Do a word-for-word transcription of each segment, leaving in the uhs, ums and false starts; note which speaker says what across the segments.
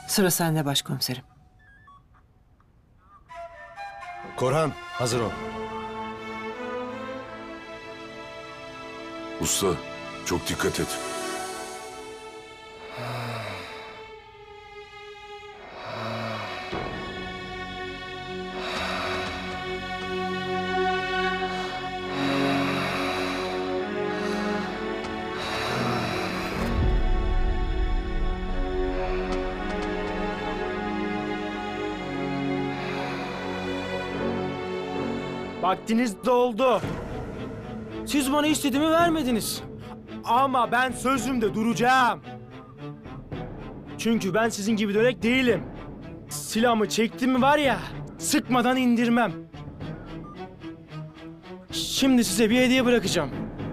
Speaker 1: Sıra sende başkomiserim.
Speaker 2: Korhan, hazır ol.
Speaker 3: Usta, çok dikkat et.
Speaker 4: Vaktiniz doldu. Siz bana istediğimi vermediniz. Ama ben sözümde duracağım. Çünkü ben sizin gibi dönek değilim. Silahımı çektim mi var ya, sıkmadan indirmem. Şimdi size bir hediye bırakacağım.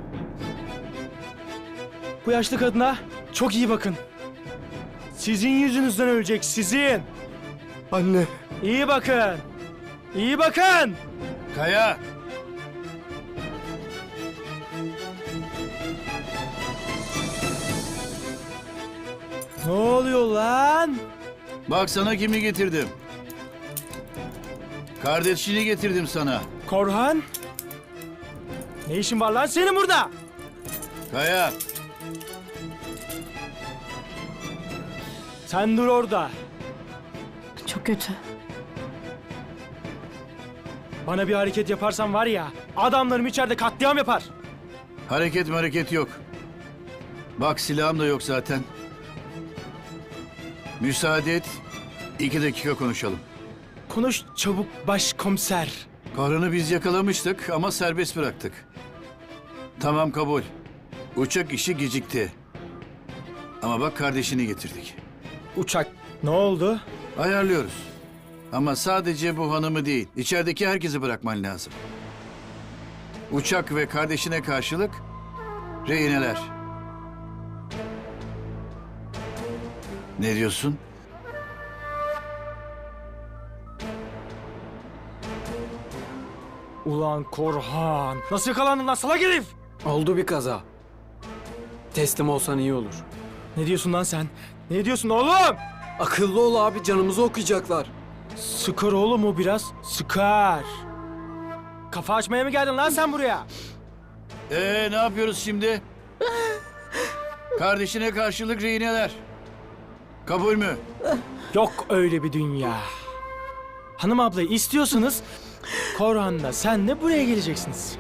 Speaker 4: Bu yaşlı kadına çok iyi bakın. Sizin yüzünüzden ölecek, sizin.
Speaker 2: Anne.
Speaker 4: İyi bakın. İyi bakın.
Speaker 5: Kaya!
Speaker 4: Ne oluyor lan?
Speaker 5: Bak sana kimi getirdim. Kardeşini getirdim sana.
Speaker 4: Korhan? Ne işin var lan senin burada?
Speaker 5: Kaya!
Speaker 4: Sen dur orada.
Speaker 6: Çok kötü.
Speaker 4: Bana bir hareket yaparsan var ya, adamlarım içeride katliam yapar.
Speaker 5: Hareket hareket yok. Bak silahım da yok zaten. Müsaade et. İki dakika konuşalım.
Speaker 4: Konuş çabuk başkomiser.
Speaker 5: Kahranı biz yakalamıştık ama serbest bıraktık. Tamam kabul. Uçak işi gecikti. Ama bak kardeşini getirdik.
Speaker 4: Uçak ne oldu?
Speaker 5: Ayarlıyoruz. Ama sadece bu hanımı değil, içerideki herkesi bırakman lazım. Uçak ve kardeşine karşılık rehineler. Ne diyorsun?
Speaker 4: Ulan Korhan. Nasıl yakalandın lan salak herif?
Speaker 7: Oldu bir kaza. Teslim olsan iyi olur.
Speaker 4: Ne diyorsun lan sen? Ne diyorsun oğlum?
Speaker 7: Akıllı ol abi, canımızı okuyacaklar.
Speaker 4: Sıkar oğlum o biraz. Sıkar. Kafa açmaya mı geldin lan sen buraya?
Speaker 5: Ee ne yapıyoruz şimdi? Kardeşine karşılık rehineler. Kabul mü?
Speaker 4: Yok öyle bir dünya. Hanım ablayı istiyorsanız Korhan'la sen de buraya geleceksiniz.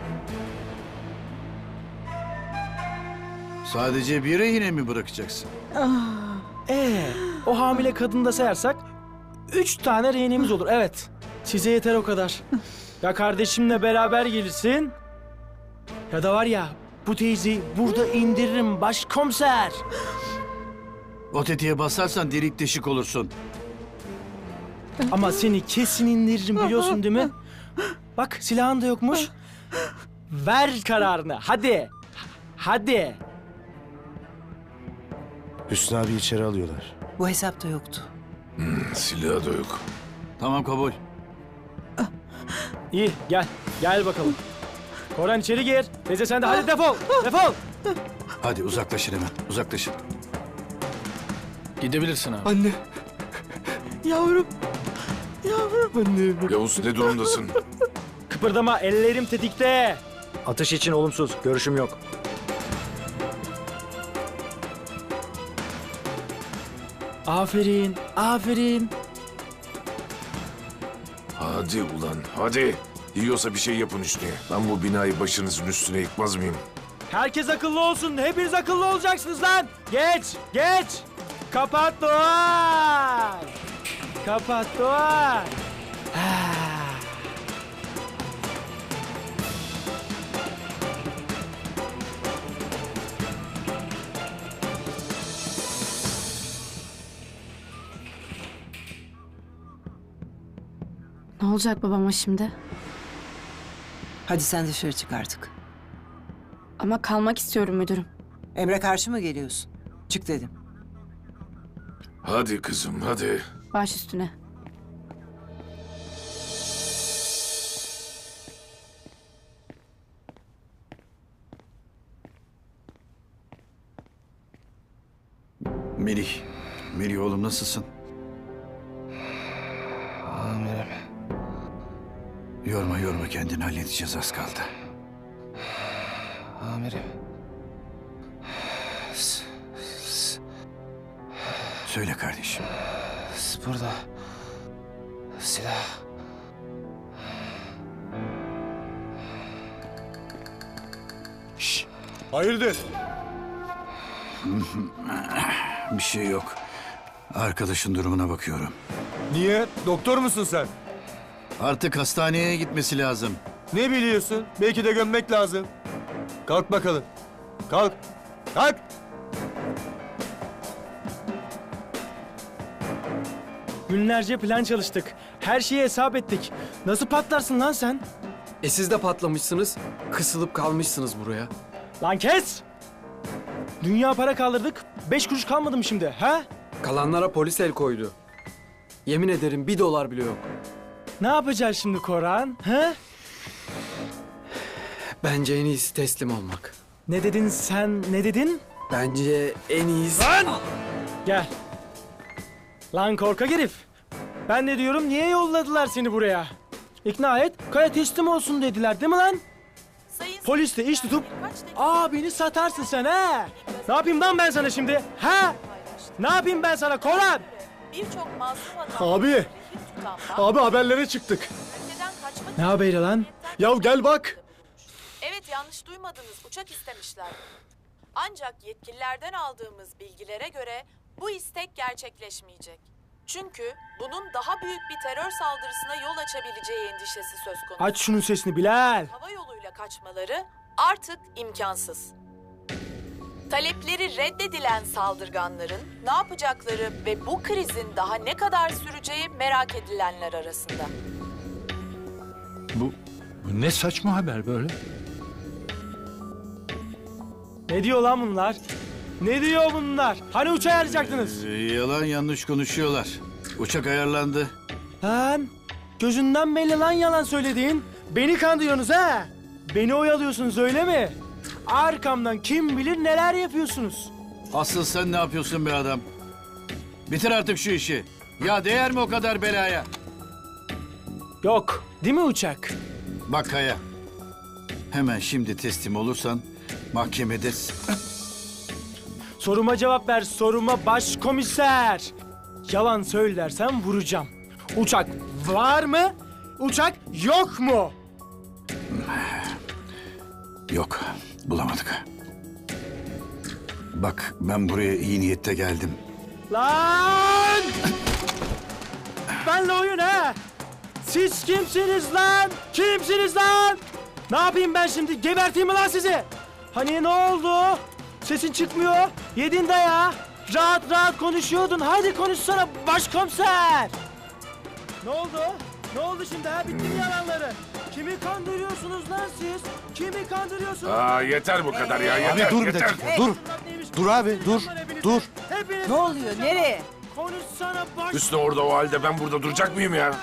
Speaker 5: Sadece bir rehine mi bırakacaksın?
Speaker 4: Ee, o hamile kadını da sayarsak üç tane rehinemiz olur. Evet. Size yeter o kadar. Ya kardeşimle beraber gelirsin ya da var ya bu teyzeyi burada indiririm başkomiser.
Speaker 5: O tetiğe basarsan delik deşik olursun.
Speaker 4: Ama seni kesin indiririm biliyorsun değil mi? Bak silahın da yokmuş. Ver kararını hadi. Hadi.
Speaker 2: Hüsnü abi içeri alıyorlar.
Speaker 1: Bu hesapta yoktu.
Speaker 3: Silahı da yok.
Speaker 5: Tamam kabul.
Speaker 4: İyi gel. Gel bakalım. Korhan içeri gir. Teyze sen de hadi defol. Defol.
Speaker 5: Hadi uzaklaşın hemen. Uzaklaşın.
Speaker 7: Gidebilirsin abi.
Speaker 2: Anne.
Speaker 6: Yavrum.
Speaker 2: Anne.
Speaker 3: Yavuz ne durumdasın?
Speaker 4: Kıpırdama ellerim tetikte.
Speaker 8: Atış için olumsuz. Görüşüm yok.
Speaker 4: Aferin. Aferin.
Speaker 3: Hadi ulan hadi. Yiyorsa bir şey yapın üstüne. Ben bu binayı başınızın üstüne yıkmaz mıyım?
Speaker 4: Herkes akıllı olsun. Hepiniz akıllı olacaksınız lan. Geç. Geç. Kapat duvar. Kapat duvar. Ha.
Speaker 6: Ne olacak babama şimdi?
Speaker 1: Hadi sen dışarı çık artık.
Speaker 6: Ama kalmak istiyorum müdürüm.
Speaker 1: Emre karşı mı geliyorsun? Çık dedim.
Speaker 3: Hadi kızım hadi.
Speaker 6: Baş üstüne.
Speaker 5: Melih. Melih oğlum nasılsın?
Speaker 2: Amirim.
Speaker 5: Yorma yorma kendini, halledeceğiz, az kaldı.
Speaker 2: Amirim.
Speaker 5: Söyle kardeşim.
Speaker 2: Burada. Silah. Şşş. Hayırdır?
Speaker 5: Bir şey yok. Arkadaşın durumuna bakıyorum.
Speaker 2: Niye? Doktor musun sen?
Speaker 5: Artık hastaneye gitmesi lazım.
Speaker 2: Ne biliyorsun? Belki de gömmek lazım. Kalk bakalım. Kalk. Kalk.
Speaker 4: Günlerce plan çalıştık. Her şeyi hesap ettik. Nasıl patlarsın lan sen?
Speaker 7: E siz de patlamışsınız. Kısılıp kalmışsınız buraya.
Speaker 4: Lan kes! Dünya para kaldırdık. Beş kuruş kalmadı mı şimdi, ha?
Speaker 7: Kalanlara polis el koydu. Yemin ederim bir dolar bile yok.
Speaker 4: Ne yapacağız şimdi Koran, ha?
Speaker 7: Bence en iyisi teslim olmak.
Speaker 4: Ne dedin sen, ne dedin?
Speaker 7: Bence en iyisi...
Speaker 4: Gel. Lan korkak herif. Ben de diyorum niye yolladılar seni buraya? İkna et, Kaya teslim olsun dediler değil mi lan? Polis de iş tutup, aa beni satarsın sen ha? Ne yapayım lan ben sana şimdi, ha? Ne yapayım ben sana Koran?
Speaker 9: Birçok masum adam
Speaker 2: Abi. Abi haberlere çıktık.
Speaker 9: ülkeden kaçmak
Speaker 4: Ne
Speaker 9: için
Speaker 4: haberi lan?
Speaker 2: Ya gel bak.
Speaker 9: Evet, yanlış duymadınız. Uçak istemişler. Ancak yetkililerden aldığımız bilgilere göre bu istek gerçekleşmeyecek. Çünkü bunun daha büyük bir terör saldırısına yol açabileceği endişesi söz konusu.
Speaker 4: Aç şunun sesini Bilal.
Speaker 9: Hava yoluyla kaçmaları artık imkansız. Talepleri reddedilen saldırganların ne yapacakları ve bu krizin daha ne kadar süreceği merak edilenler arasında.
Speaker 5: Bu, bu ne saçma haber böyle?
Speaker 4: Ne diyor lan bunlar? Ne diyor bunlar? Hani uçağı ayarlayacaktınız?
Speaker 5: Ee, yalan yanlış konuşuyorlar. Uçak ayarlandı.
Speaker 4: Lan gözünden belli lan yalan söylediğin. Beni kandırıyorsunuz ha? Beni oyalıyorsunuz öyle mi? Arkamdan kim bilir neler yapıyorsunuz.
Speaker 5: Asıl sen ne yapıyorsun be adam? Bitir artık şu işi. Ya değer mi o kadar belaya?
Speaker 4: Yok değil mi uçak?
Speaker 5: Bak Kaya. Hemen şimdi teslim olursan mahkemede...
Speaker 4: Soruma cevap ver soruma başkomiser. Yalan söylersen vuracağım. Uçak var mı? Uçak yok mu?
Speaker 5: Yok, bulamadık. Bak ben buraya iyi niyette geldim.
Speaker 4: Lan! Benle oyun ha? Siz kimsiniz lan? Kimsiniz lan? Ne yapayım ben şimdi? Geberteyim mi lan sizi? Hani ne oldu? Sesin çıkmıyor. Yedin dayağı. Rahat rahat konuşuyordun. Hadi konuşsana başkomiser. Ne oldu? Ne oldu şimdi ha? Bitti mi yalanları? Kimi kandırıyorsunuz lan siz? Kimi kandırıyorsunuz?
Speaker 3: Aa yeter bu kadar ya yeter.
Speaker 2: Abi dur bir
Speaker 3: yeter.
Speaker 2: dakika. Dur. Dur abi dur. Dur.
Speaker 4: Hepiniz
Speaker 1: Ne oluyor? Nereye?
Speaker 4: konuşsana baş...
Speaker 3: Hüsnü orada o halde ben burada duracak mıyım ya?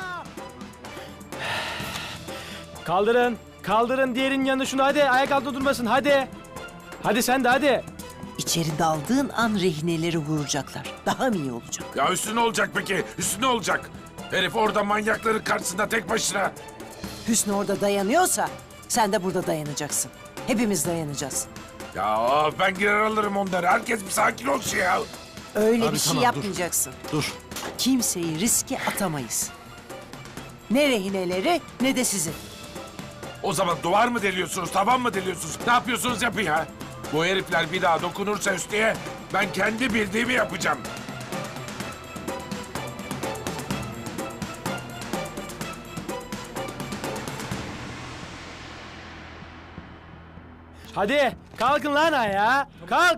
Speaker 4: Kaldırın. Kaldırın diğerinin yanına şunu hadi. Ayak altında durmasın hadi. Hadi sen de hadi.
Speaker 1: İçeri daldığın an rehineleri vuracaklar. Daha mı iyi olacak?
Speaker 3: Ya Hüsnü ne olacak peki? Hüsnü ne olacak? Herif orada manyakların karşısında tek başına.
Speaker 1: Hüsnü orada dayanıyorsa sen de burada dayanacaksın. Hepimiz dayanacağız.
Speaker 3: Ya ben girer alırım onları. Herkes bir sakin olsun ya.
Speaker 1: Öyle
Speaker 2: Abi
Speaker 1: bir şey
Speaker 2: tamam, dur.
Speaker 1: yapmayacaksın.
Speaker 2: Dur.
Speaker 1: Kimseyi riske atamayız. Ne rehineleri ne de sizi.
Speaker 3: O zaman duvar mı deliyorsunuz, tavan mı deliyorsunuz? Ne yapıyorsunuz yapın ya. Bu herifler bir daha dokunursa Hüsnü'ye ben kendi bildiğimi yapacağım.
Speaker 4: Hadi kalkın lan ayağa. Kalk.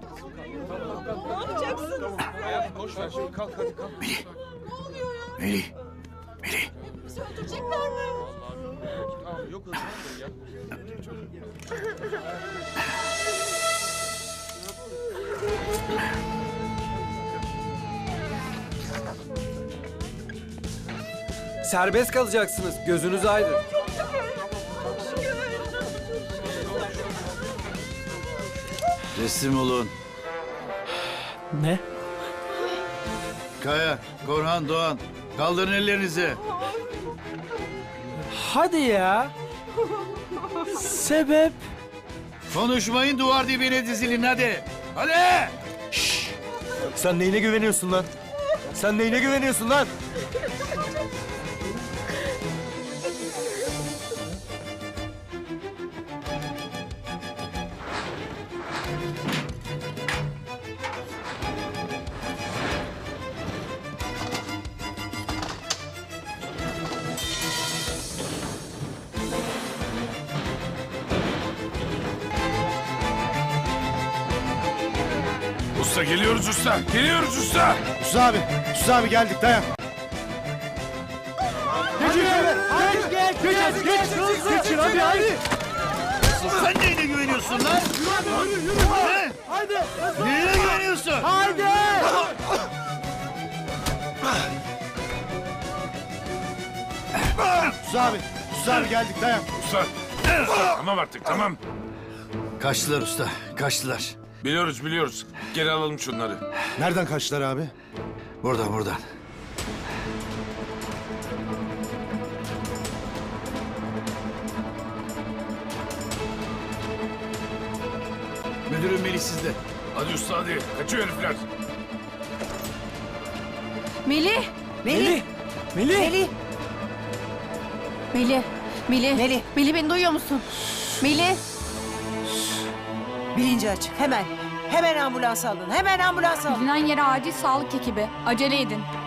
Speaker 5: Melih, Melih.
Speaker 7: Serbest kalacaksınız. Gözünüz aydın.
Speaker 5: Teslim olun.
Speaker 4: Ne?
Speaker 5: Kaya, Korhan, Doğan. Kaldırın ellerinizi.
Speaker 4: Hadi ya. Sebep?
Speaker 5: Konuşmayın, duvar dibine dizilin hadi. Hadi!
Speaker 2: Sen neyine güveniyorsun lan? Sen neyine güveniyorsun lan?
Speaker 3: Usta geliyoruz usta. Geliyoruz usta.
Speaker 2: Sus abi. Sus abi geldik dayan.
Speaker 5: Sen neyine güveniyorsun lan? He?
Speaker 4: Haydi.
Speaker 5: Neyine güveniyorsun?
Speaker 4: Haydi.
Speaker 2: Sus abi. Sus abi geldik dayan.
Speaker 3: Usta. Usta tamam artık tamam.
Speaker 5: Kaçtılar usta, kaçtılar.
Speaker 3: Biliyoruz biliyoruz. Geri alalım şunları.
Speaker 2: Nereden kaçtılar abi?
Speaker 5: Buradan, buradan. Müdürüm Melih sizde.
Speaker 3: Hadi usta hadi. Kaçıyor herifler.
Speaker 6: Melih!
Speaker 1: Melih!
Speaker 4: Melih.
Speaker 1: Melih!
Speaker 6: Melih! Melih!
Speaker 1: Melih.
Speaker 6: Melih beni duyuyor musun? Melih!
Speaker 1: Bilinci açık. Hemen. Hemen ambulans alın. Hemen ambulans alın.
Speaker 6: Bilinen yere acil sağlık ekibi. Acele edin.